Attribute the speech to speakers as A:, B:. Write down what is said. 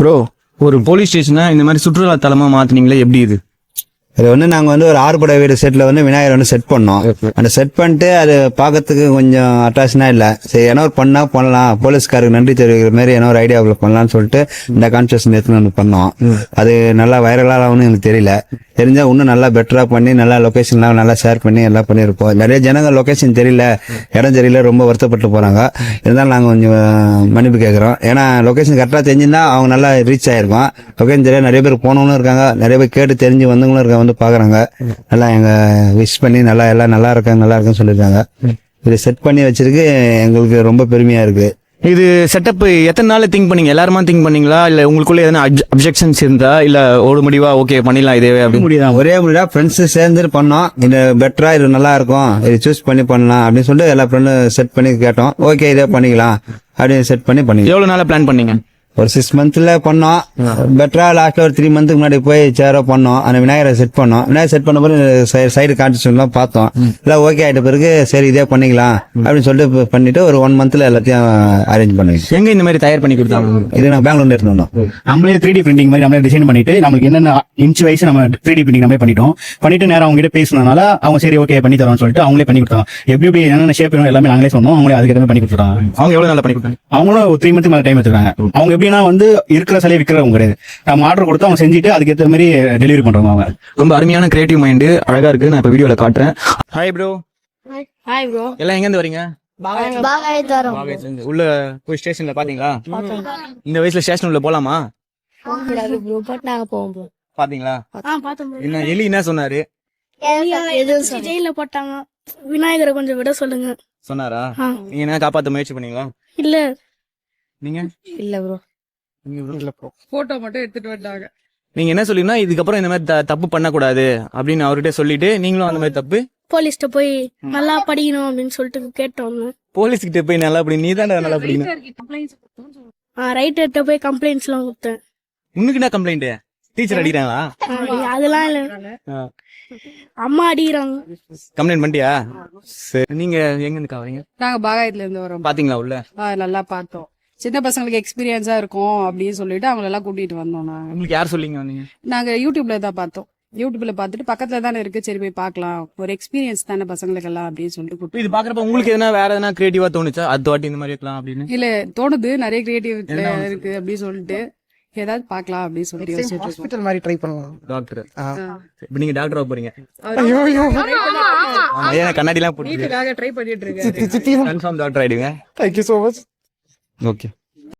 A: Bro, ஒரு police ஸ்டேஷனை இந்த மாதிரி சுற்றுலா தலமா மாத்தினீங்களே, எப்படி இது?
B: அது வந்து நாங்கள் வந்து ஒரு 6 படை வீடு செட்டில் வந்து விநாயகர் வந்து செட் பண்ணோம். அந்த செட் பண்ணிட்டு அது பார்க்கறதுக்கு கொஞ்சம் அட்ராக்ஷனாக இல்லை. சரி, ஏன்னா ஒரு பண்ணலாம், போலீஸ்காருக்கு நன்றி தெரிவிக்கிற மாதிரி ஏன்னா ஒரு ஐடியாவில் பண்ணலாம்னு சொல்லிட்டு இந்த கான்செப்ஷன் எடுத்துன்னு வந்து பண்ணோம். அது நல்லா வைரலாகனு எனக்கு தெரியல. தெரிஞ்சால் இன்னும் நல்லா பெட்டராக பண்ணி நல்லா லொக்கேஷன்லாம் நல்லா ஷேர் பண்ணி எல்லாம் பண்ணியிருப்போம். நிறைய ஜனங்கள் லொக்கேஷன் தெரியல, இடம் தெரியல, ரொம்ப வருத்தப்பட்டு போகிறாங்க. இருந்தாலும் நாங்கள் கொஞ்சம் மன்னிப்பு கேட்குறோம். ஏன்னா லொக்கேஷன் கரெக்டாக தெரிஞ்சுருந்தா அவங்க நல்லா ரீச் ஆகிருக்கும். லொக்கேஷன் தெரிய நிறைய பேர் போனவங்களும் இருக்காங்க, நிறைய பேர் கேட்டு தெரிஞ்சு வந்தவங்களும் இருக்காங்க, வந்து பாக்குறாங்க. நல்லா எங்க விஷ் பண்ணி நல்லா எல்லாம் நல்லா இருக்குன்னு சொல்லிருக்காங்க. இது செட் பண்ணி வச்சிருக்கு, எங்களுக்கு ரொம்ப பெருமையா இருக்கு.
A: இது செட்டப் எத்தனை நாள் திங்க் பண்ணீங்க? எல்லாருமா திங்க் பண்ணீங்களா, இல்ல உங்களுக்குள்ள எதனா அப்ஜெக்ஷன்ஸ் இருந்தா, இல்ல ஒரு முடிவா ஓகே பண்ணிடலாம் இதே அப்படி?
B: முடியுதான், ஒரே முடியா ஃப்ரெண்ட்ஸ் சேர்ந்து பண்ணோம். இது பெட்டரா, இது நல்லா இருக்கும், இது சூஸ் பண்ணி பண்ணலாம் அப்படின்னு சொல்லிட்டு எல்லா ஃப்ரெண்டும் செட் பண்ணி கேட்டோம். ஓகே, இதே பண்ணிக்கலாம் அப்படின்னு செட் பண்ணி
A: எவ்வளவு நாளா பிளான் பண்ணீங்க?
B: ஒரு 6 மந்த்ல பண்ணோம். பெட்டரா லாஸ்ட்ல ஒரு 3 மந்த்துக்கு முன்னாடி போய் சேரோ பண்ணோம். அந்த விநாயகரை செட் பண்ணோம். விநாயகர் செட் பண்ண பிறகு சைடு கான்செப்ட்லாம் பார்த்தோம். இல்லை ஓகே ஆயிட்ட பிறகு சரி இதே பண்ணிக்கலாம் அப்படின்னு சொல்லிட்டு பண்ணிட்டு ஒரு 1 மந்த்ல எல்லாத்தையும் அரேஞ்ச் பண்ணுவீங்க.
A: எங்க இந்த மாதிரி தயார் பண்ணி கொடுத்தாங்க?
B: இது நான் பெங்களூர்ல இருந்தோம்.
C: நம்மளே 3D பிரிண்டிங் மாதிரி நம்மளே டிசைன் பண்ணிட்டு நமக்கு என்னென்ன இன்ச் வைஸ் நம்ம 3D பிரிண்டிங் நம்மளே பண்ணிட்டு நேரம் அவங்க கிட்ட பேசினதுனால அவங்க சரி ஓகே பண்ணி தரோம்னு சொல்லிட்டு அவங்களே பண்ணி கொடுத்தாங்க. எப்படி என்னென்ன ஷேப் எல்லாமே நாங்களே சொன்னோம், அவங்களே அதுக்கு எதுவுமே பண்ணி கொடுத்துட்டாங்க.
A: அவங்க எவ்வளவு நல்லா பண்ணி கொடுத்தாங்க?
C: அவங்களும் ஒரு 3 மந்த் மேல டைம் எடுத்துக்காங்க. அவங்க எப்படின்னா வந்து இருக்கிற சிலையை விற்கிறவங்க கிடையாது. நம்ம ஆர்டர் கொடுத்து அவங்க செஞ்சுட்டு அதுக்கு ஏற்ற மாதிரி டெலிவரி பண்றவங்க. அவங்க ரொம்ப
A: அருமையான கிரியேட்டிவ் மைண்ட், அழகா இருக்கு. நான் இப்ப வீடியோல காட்டுறேன். Hi bro.
D: Hi bro.
A: எல்லாம் எங்க இருந்து வரீங்க?
D: பாகாயத்துல
A: உள்ள போய் ஸ்டேஷன்ல பாத்தீங்களா? இந்த வயசுல ஸ்டேஷன் உள்ள போலாமா?
D: போகக்கூடாது ப்ரோ, பட் நாங்க போவோம் ப்ரோ.
A: பாத்தீங்களா?
D: பார்த்தோம் ப்ரோ.
A: என்ன எலி என்ன சொன்னாரு?
D: ஜெயில போட்டாங்க, விநாயகரை கொஞ்சம் விட சொல்லுங்க
A: சொன்னாரா? நீங்க என்ன காப்பாத்த முயற்சி பண்ணீங்களா?
D: இல்ல
A: நீங்க
D: இல்ல ப்ரோ.
E: போட்டோ மட்டும் எடுத்துட்டு வந்தாங்க.
A: நீங்க என்ன சொல்லினா இதுக்கப்புறம் இந்த மாதிரி தப்பு பண்ணக்கூடாது அப்படின்னு அவர்கிட்ட சொல்லிட்டு நீங்களும் அந்த மாதிரி தப்பு
D: போலீஸ்ட்ட போய் நல்லா படிக்கணும் அப்படின்னு சொல்லிட்டு கேட்டோம்.
A: போலீஸ் கிட்ட போய் நல்லா படி, நீ தான் நல்லா படிக்கணும்.
D: ரைட்டர்கிட்ட போய் கம்ப்ளைண்ட்ஸ் எல்லாம் கொடுத்தேன்.
A: உனக்கு என்ன கம்ப்ளைண்ட்? டீச்சர் அடிக்கிறாங்களா?
D: அதெல்லாம் இல்ல, அம்மா அடிக்கிறாங்க.
A: கம்ப்ளைண்ட் பண்ணிட்டியா? சரி, நீங்க எங்க இருந்து வரீங்க?
E: நாங்க பாகாயத்துல இருந்து வரோம்.
A: பாத்தீங்களா உள்ள?
E: நல்லா பார்த்தோம். சின்ன பசங்களுக்கு எக்ஸ்பீரியன்ஸா இருக்கும் அப்படின்னு சொல்லிட்டு அவங்க எல்லாம் கூட்டிட்டு வந்தோம்.
A: உங்களுக்கு யார் சொல்லிங்க வந்தீங்க?
E: நாங்க யூடியூப்ல தான் பார்த்தோம். யூடியூப்ல பார்த்துட்டு பக்கத்துல தானே இருக்கு, சரி போய் பார்க்கலாம், ஒரு எக்ஸ்பீரியன்ஸ் தானே பசங்களுக்கு எல்லாம் அப்படின்னு சொல்லிட்டு.
A: இது பாக்குறப்ப உங்களுக்கு எதனா வேற எதனா கிரியேட்டிவா தோணுச்சா, அது வாட்டி இந்த மாதிரி இருக்கலாம் அப்படின்னு?
E: இல்ல தோணுது, நிறைய கிரியேட்டிவ் இருக்கு அப்படின்னு சொல்லிட்டு ஏதாவது பார்க்கலாம் அப்படின்னு சொல்லிட்டு
F: ஹாஸ்பிடல் மாதிரி ட்ரை பண்ணலாம்.
A: டாக்டர் இப்ப நீங்க டாக்டரா போறீங்க? கண்ணாடி எல்லாம் போட்டு
E: ட்ரை பண்ணிட்டு இருக்கேன்.
A: கன்ஃபார்ம் டாக்டர் ஆயிடுங்க.
F: Thank you so much.
A: Okay.